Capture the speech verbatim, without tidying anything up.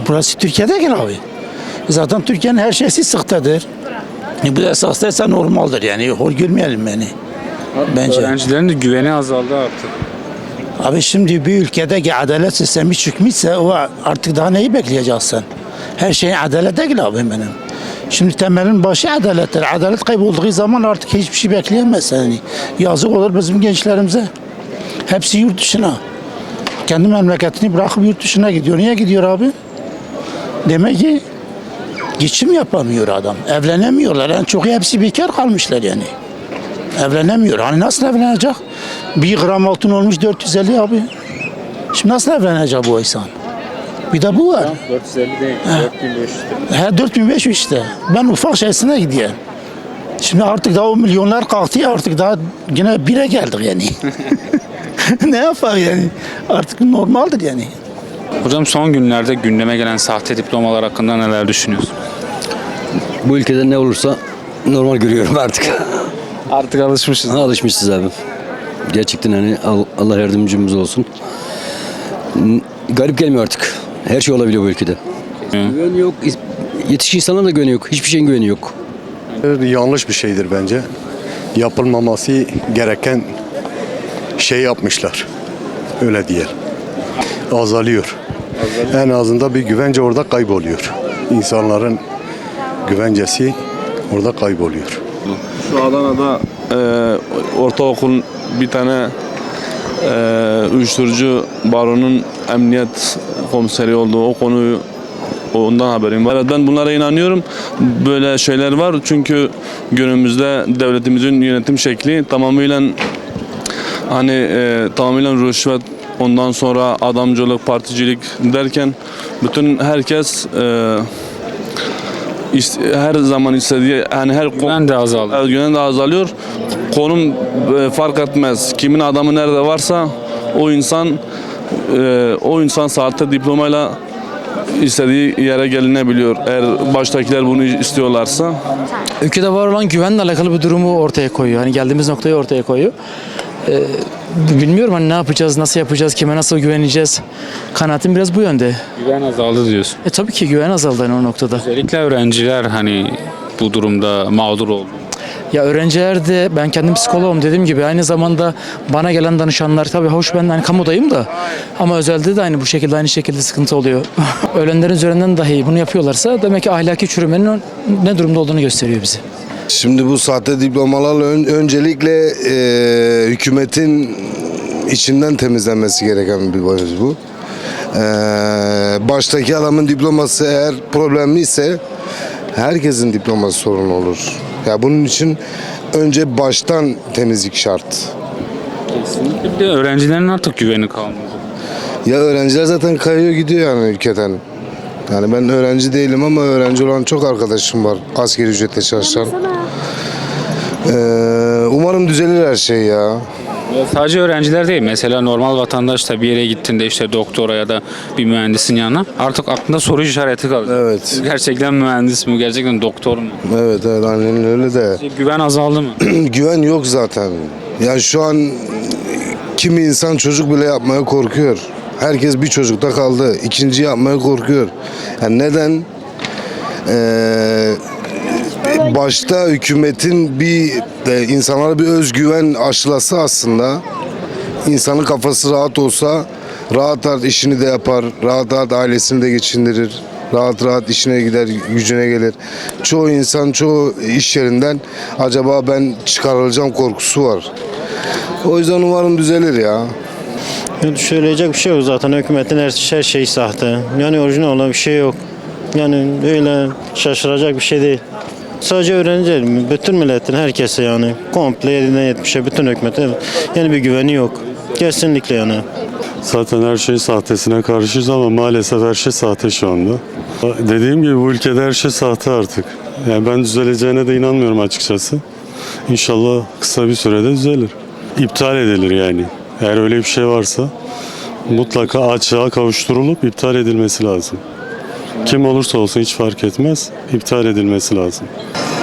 Burası Türkiye'de gel abi. Zaten Türkiye'nin her şeysi sıktadır. E bu da esaslaysa normaldir yani. Hor görmeyelim beni. Bence. Öğrencilerin de güveni azaldı artık. Abi şimdi bir ülkede ki adalet sistemi çıkmışsa o artık daha neyi bekleyeceksin? Her şey adalet değil abi benim. Şimdi temelin başı adalettir. Adalet kaybolduğu zaman artık hiçbir şey bekleyemez yani. Yazık olur bizim gençlerimize. Hepsi yurt dışına. Kendi memleketini bırakıp yurt dışına gidiyor. Niye gidiyor abi? Demek ki geçim yapamıyor adam. Evlenemiyorlar. En çok hepsi bekar kalmışlar yani. Evlenemiyor. Hani nasıl evlenecek? Bir gram altın olmuş dört yüz elli abi. Şimdi nasıl evlenecek bu insan? Bir de bu var. dört yüz elli değil, dört bin beş yüz. He dört bin beş yüz işte. Ben ufak şeysine gidiyorum. Şimdi artık daha o milyonlar kalktı ya artık daha yine bire geldik yani. Ne yapalım yani? Artık normaldir yani. Hocam son günlerde gündeme gelen sahte diplomalar hakkında neler düşünüyorsunuz? Bu ülkede ne olursa normal görüyorum artık. Artık alışmışız. Alışmışız abi. Gerçekten hani Allah yardımcımız olsun. Garip gelmiyor artık. Her şey olabiliyor bu ülkede. Güven yok. Yetişkin insanlara da güveni yok. Hiçbir şeyin güveni yok. Yanlış bir şeydir bence. Yapılmaması gereken şey yapmışlar. Öyle diyelim. Azalıyor. En azından bir güvence orada kayboluyor. İnsanların güvencesi orada kayboluyor. Şu Adana'da e, ortaokul bir tane e, uyuşturucu baronun emniyet komiseri olduğu o konuyu ondan haberim var. Evet, ben bunlara inanıyorum. Böyle şeyler var çünkü günümüzde devletimizin yönetim şekli tamamıyla hani e, tamamıyla rüşvet, ondan sonra adamcılık, particilik derken bütün herkes e, her zaman istediği yani her Güven de azaldı. güven de azalıyor. Konum e, fark etmez. Kimin adamı nerede varsa o insan e, o insan sahte diplomayla istediği yere gelinebiliyor. Eğer baştakiler bunu istiyorlarsa. Ülkede var olan güvenle alakalı bir durumu ortaya koyuyor. Hani geldiğimiz noktayı ortaya koyuyor. Ee, bilmiyorum hani ne yapacağız, nasıl yapacağız, kime nasıl güveneceğiz. Kanaatim biraz bu yönde. Güven azaldı diyorsun. E tabii ki güven azaldı hani o noktada. Özellikle öğrenciler hani bu durumda mağdur oldu. Ya öğrenciler de ben kendim psikoloğum dediğim gibi aynı zamanda bana gelen danışanlar tabii hoş ben hani kamudayım da ama özelde de aynı bu şekilde aynı şekilde sıkıntı oluyor. Ölenlerin üzerinden dahi bunu yapıyorlarsa demek ki ahlaki çürümenin ne durumda olduğunu gösteriyor bize. Şimdi bu sahte diplomalarla ön, öncelikle e, hükümetin içinden temizlenmesi gereken bir mevzu bu. E, baştaki adamın diploması eğer problemliyse herkesin diploması sorun olur. Ya bunun için önce baştan temizlik şart. Kesinlikle. Bir de öğrencilerin artık güveni kalmadı. Ya öğrenciler zaten kayıyor gidiyor yani ülkeden. Yani ben öğrenci değilim ama öğrenci olan çok arkadaşım var. Asgari ücretle çalışan. Ee, umarım düzelir her şey ya. Sadece öğrenciler değil. Mesela normal vatandaş da bir yere gittiğinde işte doktora ya da bir mühendisin yanına artık aklında soru işareti kalıyor. Evet. Gerçekten mühendis mi? Gerçekten doktor mu? Evet evet aynen öyle de. Güven azaldı mı? Güven yok zaten. Yani şu an kimi insan çocuk bile yapmaya korkuyor. Herkes bir çocukta kaldı. İkinci yapmaya korkuyor. Yani neden? Ee, başta hükümetin bir de insanlara bir özgüven aşılası aslında. İnsanın kafası rahat olsa rahat rahat işini de yapar. Rahat rahat ailesini de geçindirir. Rahat rahat işine gider, gücüne gelir. Çoğu insan çoğu iş yerinden acaba ben çıkarılacağım korkusu var. O yüzden umarım düzelir ya. Söyleyecek bir şey yok zaten hükümetin her, her şeyi sahte. Yani orijinal olan bir şey yok. Yani öyle şaşıracak bir şey değil. Sadece öğrenciler mi? Bütün milletin herkese yani komple yedinden yetmişe bütün hükümete yani bir güveni yok. Kesinlikle yani. Zaten her şey sahtesine karşıyız ama maalesef her şey sahte şu anda. Dediğim gibi bu ülkede her şey sahte artık. Yani ben düzeleceğine de inanmıyorum açıkçası. İnşallah kısa bir sürede düzelir. İptal edilir yani. Eğer öyle bir şey varsa mutlaka açığa kavuşturulup iptal edilmesi lazım. Kim olursa olsun hiç fark etmez, iptal edilmesi lazım.